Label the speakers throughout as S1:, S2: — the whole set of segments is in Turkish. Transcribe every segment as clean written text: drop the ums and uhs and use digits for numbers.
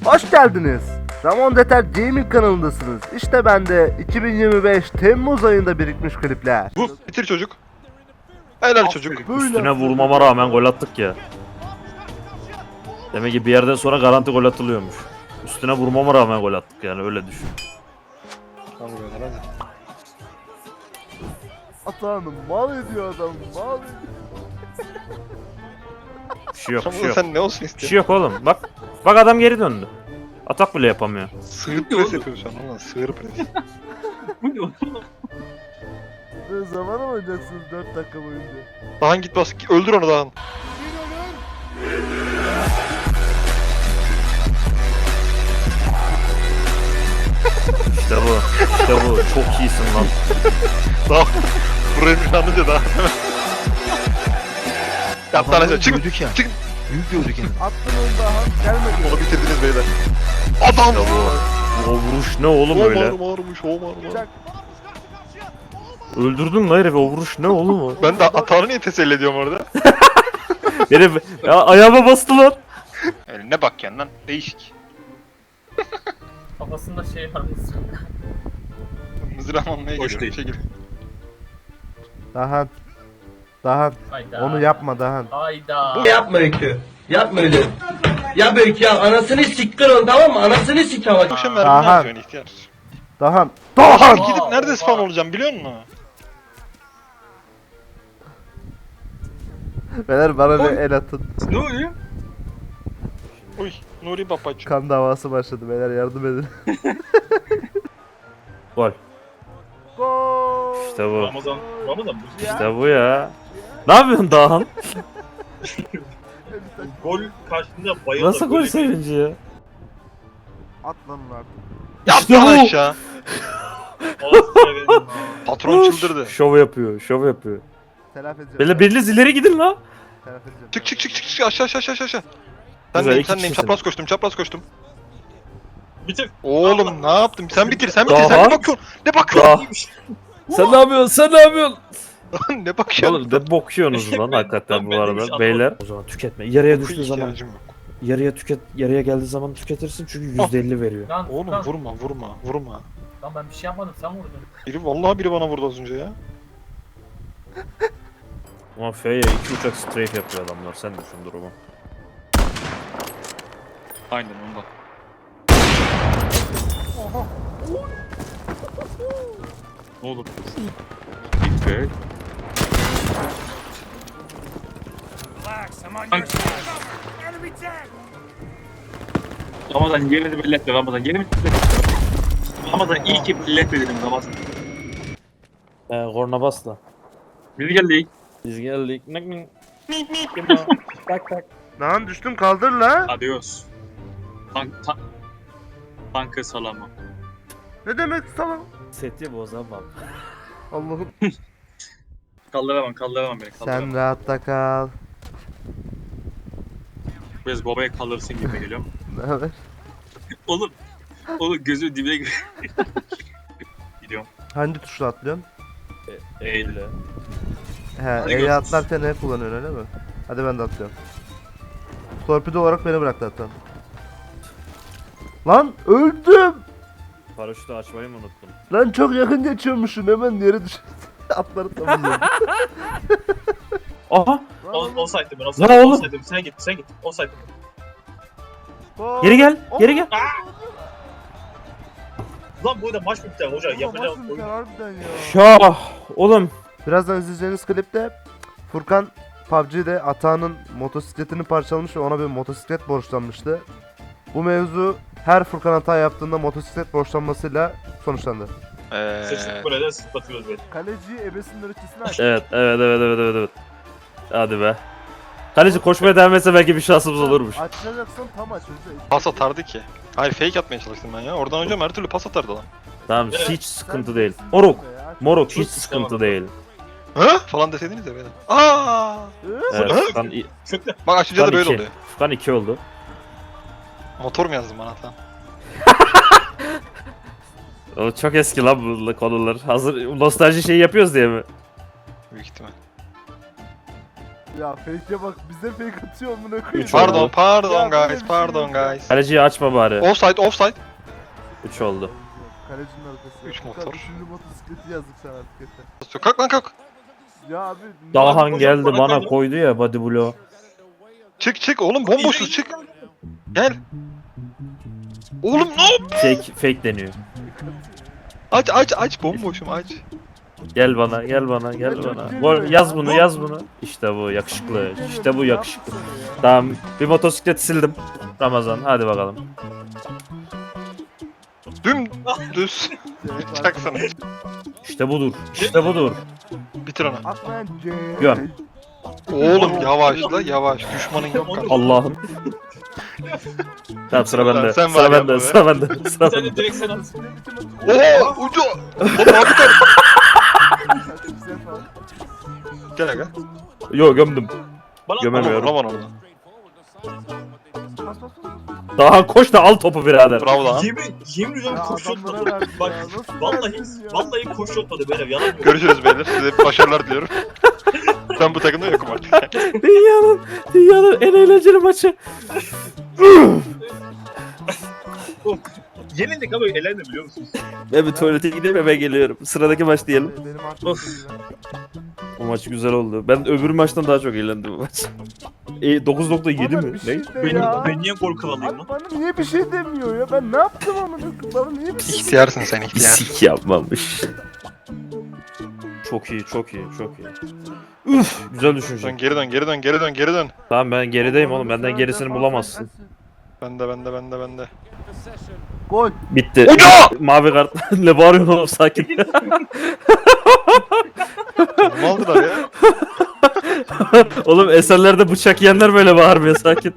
S1: Hoş geldiniz. Ramon Deter Gaming kanalındasınız. İşte ben de 2025 Temmuz ayında birikmiş klipler.
S2: Bu bitir çocuk. Helal çocuk.
S1: Böyle
S3: Üstüne
S1: yapıyoruz.
S3: vurmama rağmen gol attık ya. Demek ki bir yerden sonra garanti gol atılıyormuş. Üstüne vurmama rağmen gol attık yani, öyle düşün.
S1: Atanım mal ediyor adam, mal ediyor.
S3: Bir şey yok, bir şey yok.
S2: Sen ne olsun
S3: Bir
S2: istiyorsun?
S3: şey yok oğlum. Bak adam geri döndü. Atak bile yapamıyor.
S2: Sığır pres yapıyorsun şu an ulan, sığır pres.
S1: Ne zaman oynayacaksınız 4 dakika boyunca?
S2: Dahan git bas, öldür onu Dahan.
S3: İşte bu. İşte bu. Çok iyisin lan.
S2: Dahan. Burayı anlayınca Dahan. Yap lan aşağı, çık.
S4: Büyüdük ya.
S2: Çık.
S4: Büyük gördük yani.
S1: Attın onu daha, gelmedi.
S2: Onu bitirdiniz beyler. Adam!
S3: O vuruş ne oğlum
S2: O
S3: öyle?
S2: marmış, o marmış.
S1: Çak.
S3: Öldürdün lan herifi, o vuruş ne oğlum o?
S2: Ben de Atan'ı niye teselli ediyorum orada?
S3: Herif ya, ayağıma bastı lan.
S2: Eline bak yani lan, değişik.
S5: Kafasında şey var.
S2: Mızrağım almaya
S5: Hoş
S2: geliyorum,
S5: değil.
S2: çekil.
S1: Dahan. Dahan.
S5: Hayda.
S1: Onu yapma Dahan.
S5: Hayda.
S6: Yapma Öykü. Yapma öyle. Ya Öykü ya anasını siktir onu tamam mı? Anasını sik ama.
S2: Bu akşam mermi ne
S1: Dahan.
S2: yapıyorsun ihtiyar?
S1: Dahan.
S2: Dahan!
S1: Dahan!
S2: Gidip nerede
S5: Oha.
S2: spawn olacağım biliyor musun?
S1: Beyler bana bir el atın.
S5: Ne oluyor?
S2: Uy, Nuri babacığım.
S1: Kan davası başladı beyler, yardım edin.
S3: Gol.
S1: Gol.
S3: İşte bu.
S5: Ramazan bu.
S3: İşte bu ya. Ne yapıyorsun Dahan?
S5: Gol karşısında bayıldı.
S3: Nasıl gol sevinci ya?
S1: At lan onu artık.
S2: Yap
S3: İşte
S2: lan
S3: bu.
S2: aşağı. Patron çıldırdı.
S3: Şov yapıyor, şov yapıyor.
S1: Telafi edeceğim.
S3: Böyle biriniz ileri gidin la.
S1: Telafi edeceğim.
S2: Çık aşağı. Sen
S3: Güzel,
S2: neyim
S3: iki
S2: sen neyim
S3: kişisin.
S2: çapraz koştum.
S5: Bitir.
S2: Oğlum ne yaptım? Sen bitir
S3: Daha?
S2: sen ne bakıyorsun? Ne bakıyorsun?
S3: Sen ne yapıyorsun? Sen ne yapıyorsun?
S2: Ne bakıyorsun?
S3: Oğlum ne bokuyorsunuz lan hakikaten bu
S5: Ben demiş,
S3: arada beyler. O zaman tüketme. Yarıya düştüğü zaman,
S2: İhtiyacım yok.
S3: yarıya geldiği zaman tüketirsin çünkü %50 veriyor.
S5: Lan
S2: Oğlum
S5: lan,
S2: vurma.
S5: lan ben bir şey yapmadım sen vurdun.
S2: Vallahi biri bana vurdu az önce ya.
S3: Ama F'ye 2 uçak strafe yapıyor adamlar, sen düşün durumu.
S5: Aynen ondan. Ne oldu? Bitti. Ramazan yerini belli etme Ramazan. Yerini belli etme. Ramazan iyi ki belli etme dedim Ramazan.
S3: Korna basla.
S5: Biz geldik.
S3: Biz geldik. Nak nak. Tak tak.
S1: Lan düştüm, kaldır la.
S5: Adios. Tankı salamı.
S1: Ne demek sana?
S3: Seti bozamam.
S1: Allah'ım.
S5: Kaldıramam beni kaldıramam.
S1: Sen rahatta kal.
S5: Biraz babaya kalırsın gibi geliyorum.
S1: Ne haber?
S5: Oğlum gözü dibine giriyor. Gidiyorum.
S1: Hangi tuşla atlıyorsun?
S3: Eyle.
S1: He,
S5: Hadi
S1: E'yi
S5: görüşürüz.
S1: atlarken ne kullanıyorsun öyle mi? Hadi ben de atlıyorum. Torpido olarak beni bıraktı hatta. Lan öldüm!
S3: Paraşütü açmayı mı unuttun?
S1: Lan çok yakın geçiyormuşsun, hemen yere düş. Atları tamamladım.
S3: Aha!
S5: O saydım ben, o
S3: Lan
S5: saydım.
S3: oğlum.
S5: O saydım. Sen git. O saydım.
S3: Geri gel.
S5: Lan bu da maç bitti hoca. Yapacağım oyun.
S1: Harbiden ya.
S3: Şah! Oğlum.
S1: Birazdan izleyeceğiniz klipte Furkan PUBG'de Atağan'ın motosikletini parçalamış ve ona bir motosiklet borçlanmıştı. Bu mevzu her Furkan hata yaptığında motosiklet borçlanmasıyla sonuçlandı.
S5: Seçtik böyle de sıklatıyoruz böyle.
S1: Kaleci ebesinin ırkçısını aç.
S3: Evet. Hadi be. Kaleci koşmaya devam etse belki bir şansımız olurmuş.
S1: Açacaksan tam aç hızlı.
S2: Pas atardı ki. Hayır fake atmaya çalıştım ben ya. Oradan hocam her türlü pas atardı lan.
S3: Tamam,
S5: Evet.
S3: hiç sıkıntı değil. Moruk hiç
S5: Çok
S3: sıkıntı
S5: sıkıntı.
S3: değil.
S2: Hı? Falan deseydiniz ya beyler. Aa!
S3: Evet,
S2: Hı?
S5: Çöktü.
S2: Bak açınca da
S3: Furkan
S2: böyle
S3: 2.
S2: oluyor.
S3: Furkan 2 oldu.
S2: Motor mu yazdın bana lan?
S3: O çok eski lan bu konular. Hazır nostalji şeyi yapıyoruz diye mi?
S2: Büyük ihtimal.
S1: Ya fake'e bak bize fake atıyor amına koyayım.
S3: Üç oldu.
S2: Pardon, pardon
S1: Ya böyle bir
S2: guys,
S1: şey
S2: pardon
S1: yok ya.
S2: guys.
S3: Kaleciyi açma bari.
S2: Offside, offside.
S3: 3 oldu.
S1: Kalecinin arkası.
S2: Üç
S1: Furkan,
S2: motor.
S1: üçüncü motosikleti yazdık sana artık yeter.
S2: Kalk lan kalk.
S1: Ya abi.
S3: Dahan
S5: hocam
S3: geldi
S5: bana
S3: bana
S5: kaydı.
S3: koydu ya body blow.
S2: Çık oğlum bomboşuz çık. Gel. Oğlum ne yap?
S3: Fake deniyor.
S2: Aç bomboşum aç.
S3: Gel bana gel bana gel bana. Yaz bunu yaz bunu. İşte bu yakışıklı. İşte bu yakışıklı. Tamam bir motosikleti sildim. Ramazan hadi bakalım.
S2: Dümdüz. Çaksana.
S3: İşte budur. İşte budur.
S2: Bitir onu.
S1: Atmayan
S3: Göm.
S2: Oğlum yavaşla yavaş. Düşmanın yok kanka.
S3: Allah'ım. Tamam sıra bende.
S2: Sen var
S3: Sıra
S2: ya
S3: bende.
S2: bu.
S3: Sıra bende. Sıra
S5: Sen de
S3: bende.
S5: direkt sen at.
S2: Oha ucu. Oğlum abi dur. Gel aga.
S3: Yo gömdüm.
S5: Bana
S3: Gömemiyorum.
S2: Aman onu.
S3: Daha koş da al topu birader.
S2: Bravo lan.
S5: Yemin ediyorum
S1: Ya
S5: koşu
S1: adamlara
S5: yotmadı.
S1: verdi
S5: Bak
S1: ya, nasıl
S5: vallahi
S1: verdiniz ya?
S5: vallahi koşu yotmadı beyler yalan yok.
S2: Görüşürüz beyler. Size başarılar diliyorum. Ben bu takımda yokum artık.
S3: Dünyanın en eğlenceli maçı.
S5: Yenildik ama elendim biliyor musunuz?
S3: Ben bir tuvalete gideyim hemen geliyorum. Sıradaki maç diyelim.
S1: Benim artık
S5: Of.
S3: Bu maç güzel oldu. Ben öbür maçtan daha çok eğlendim bu maç. 9.7 mi? Ne?
S5: Ben niye gol kralayım lan?
S1: Bana niye bir şey demiyor ya? Ben ne yaptım amına koyayım? Bana niye bir şey
S2: İhtiyarsın sen ihtiyar.
S3: Sik yapmamış. Çok iyi, çok iyi, çok iyi. Üf, güzel düşünce.
S2: Dön geri dön.
S3: Tamam ben gerideyim oğlum. Benden gerisini bulamazsın.
S2: Bende.
S1: Gol.
S3: Bitti.
S2: Uca!
S3: Mavi kart. Ne bağırıyorsun oğlum sakin.
S2: Ne aldılar ya?
S3: Oğlum eserlerde bıçak yiyenler böyle bağırmıyor sakin.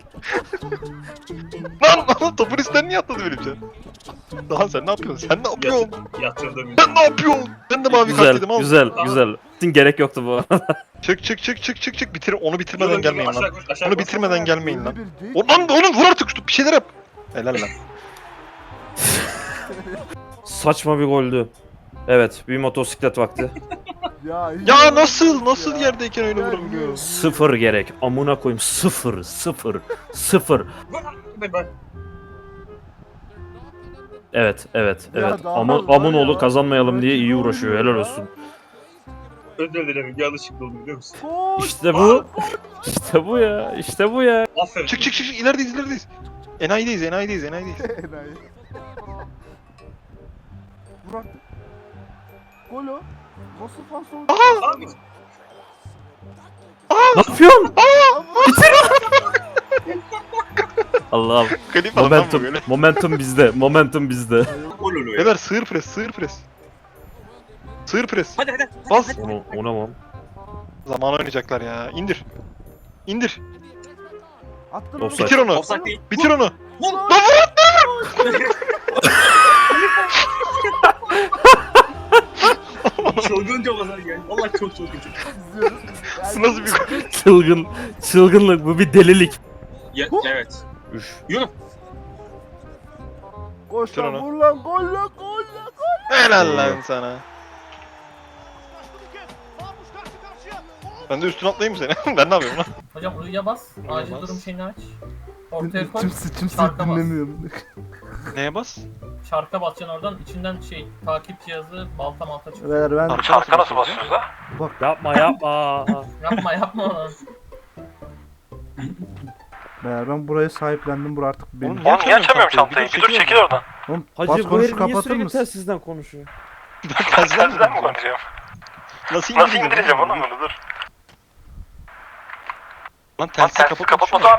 S2: Lan topun üstünden niye atladı benim can? Daha sen ne yapıyorsun? Sen ne yapıyorsun?
S5: Yatırdım.
S2: Sen ne yapıyorsun? Ben de mavi kart
S3: Güzel,
S2: yedim al.
S3: güzel, güzel. Din gerek yoktu bu arada.
S2: Çık. Onu bitirmeden gelmeyin lan. Onu bitirmeden gelmeyin lan.
S1: Bir değil.
S2: Oğlum vur artık bir şeyler yap. Helal lan.
S3: Saçma bir goldü. Evet, bir motosiklet vakti.
S2: Ya nasıl yerdeyken öyle vurabiliyor?
S3: Sıfır gerek. Amına koyayım sıfır. Evet.
S1: daha
S3: Amunoğlu
S1: ya.
S3: kazanmayalım diye iyi uğraşıyor. Helal olsun.
S5: Özür dilerim yanlışlıkla oldu biliyor musun?
S1: Gol.
S3: İşte bu. İşte bu ya.
S5: Aferin.
S2: Çık ilerideyiz. Enayideyiz.
S1: Enayi. Vur artık. Gol o. Nasıl pas oldu?
S5: Abi
S3: Ne yapıyorsun? Allah'ım.
S2: Klip alın lan bu böyle.
S3: Momentum bizde.
S5: gol oluyor ya.
S2: Beyler sığır pres.
S5: Hadi.
S2: Bas.
S3: Ona mı?
S2: Zaman oynayacaklar ya. İndir.
S1: Attın
S3: Offside.
S2: Bitir onu.
S5: Offside değil.
S2: Bitir onu.
S5: Çılgınca olmadan yani. Vallahi çok çılgınca.
S1: İzliyoruz.
S2: Nasıl bir gol?
S3: Çılgınlık bu bir delilik.
S5: Evet.
S3: Üf.
S5: Yürü.
S1: Koş
S2: Bitir
S1: lan
S2: onu.
S1: vur lan gol lan.
S2: Helal lan sana. Ben de üstüne atlayayım mı seni? Ben ne yapıyorum lan?
S4: Hocam uyuya bas. Acil
S2: bas.
S4: durum şeyini aç. Ortaya koy.
S1: Kimse
S4: Şarka bas.
S1: dinlemiyorum.
S2: Neye bas?
S4: Şarka basacaksın oradan. İçinden takip cihazı balta çıkıyor.
S1: Beyler ben
S2: Şarkı nasıl basıyoruz lan?
S3: Yapma.
S4: Yapma onu.
S1: Beyler ben burayı sahiplendim. Bura artık benim.
S2: Oğlum niye açamıyorum çantayı? Bir dur çekil oradan.
S1: Oğlum
S3: Hacı
S1: bas
S3: bu
S1: konuş
S3: herif niye
S1: kapatır
S3: sürekli
S1: mısın?
S3: telsizden konuşuyor?
S2: Telsizden mi konuşacağım? Nasıl indireceğim onu dur. Lan telsizi kapatma abi.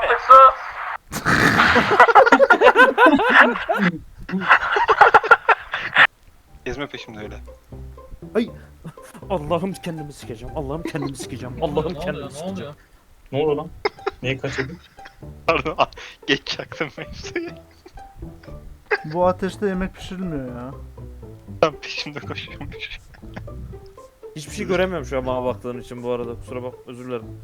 S2: Gezme peşimde öyle.
S3: Allah'ım kendimi sikeceğim.
S4: Ne oluyor?
S5: Ne oluyor lan? Neye kaçırdın?
S2: Pardon geç çaktım mevzuyu.
S1: Bu ateşte yemek pişirilmiyor ya.
S2: Tam peşimde koşuyormuş.
S3: Hiçbir şey göremiyorum şu an bana baktığın için bu arada. Kusura bak özür dilerim.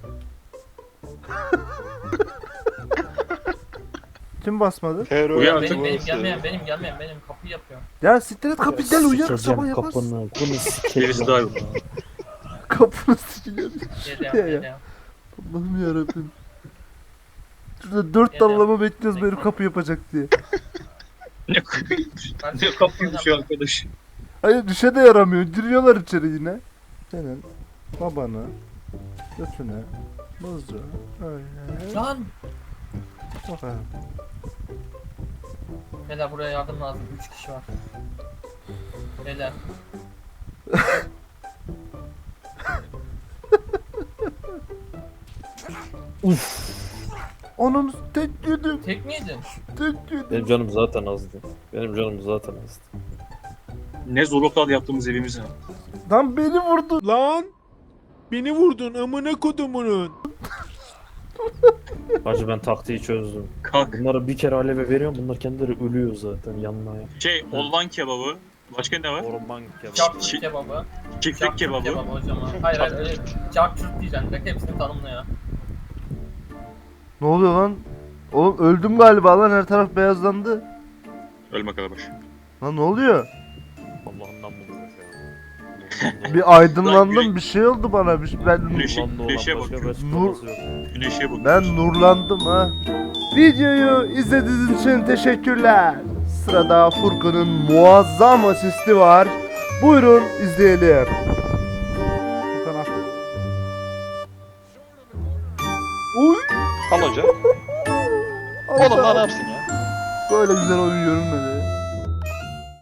S1: Kim basmadı?
S2: Terör
S5: Uyan,
S4: Benim gelmeyen benim kapıyı yapıyor.
S1: Ya siktir et kapıyı gel uyuyak sabah yaparsın.
S3: kapını. Bunu sikeceğim.
S5: Gerisi daha yok.
S1: Kapını sikeceğim.
S4: Gel
S1: Ya.
S4: ya.
S1: Allah'ım yarabbim. Şurada 4
S4: Geliyorum.
S1: dallama bekliyoruz benim kapı yapacak diye.
S5: Ne
S4: Kardeşim,
S5: ne kapıyı düşüyor arkadaş.
S1: Hayır düşe de yaramıyor. Giriyorlar içeri yine. Senin babana götüne mızrağı öyle.
S4: Lan!
S1: Bakalım.
S4: Beyler buraya yardım lazım. 3 kişi var. Beyler.
S1: Onun tek yedim.
S4: Tek mi yedin?
S1: Tek yedim.
S3: Benim canım zaten azdı. Benim canım zaten azdı.
S5: Ne zorluklar yaptığımız evimize.
S1: Lan beni vurdu.
S7: Lan beni vurdun amına kodumunun.
S3: Hacı ben taktiği çözdüm.
S5: Kalk.
S3: Bunlara bir kere aleve veriyorum. Bunlar kendileri ölüyor zaten yanmaya.
S5: Olvan kebabı. Başka ne var?
S3: Orman kebabı.
S4: Çarpçurt kebabı.
S5: Çiftlik
S4: Çarpçurt
S5: kebabı.
S4: kebabı hocam. Hayır hayır öyle. Çarpçurt diyeceksin. Direkt hepsini tanımla ya.
S1: Ne oluyor lan? Oğlum öldüm galiba lan, her taraf beyazlandı.
S5: Ölme kalabaş.
S1: Lan ne oluyor?
S3: Allah'ından bulmuş ya.
S1: Bir aydınlandım,
S5: Lan
S1: bir şey oldu bana. Ben
S5: Güneşe
S3: Güneşe
S5: bak.
S3: başka bir
S1: Nur-
S3: açıklaması yok.
S5: Güneşe bak.
S1: ben nurlandım ha. Videoyu izlediğiniz için teşekkürler. Sırada Furkan'ın muazzam asisti var. Buyurun izleyelim. Furkan al. Uy!
S2: Al hoca. Oğlum daha ne yapsın ya?
S1: Böyle güzel oyun görünmedi.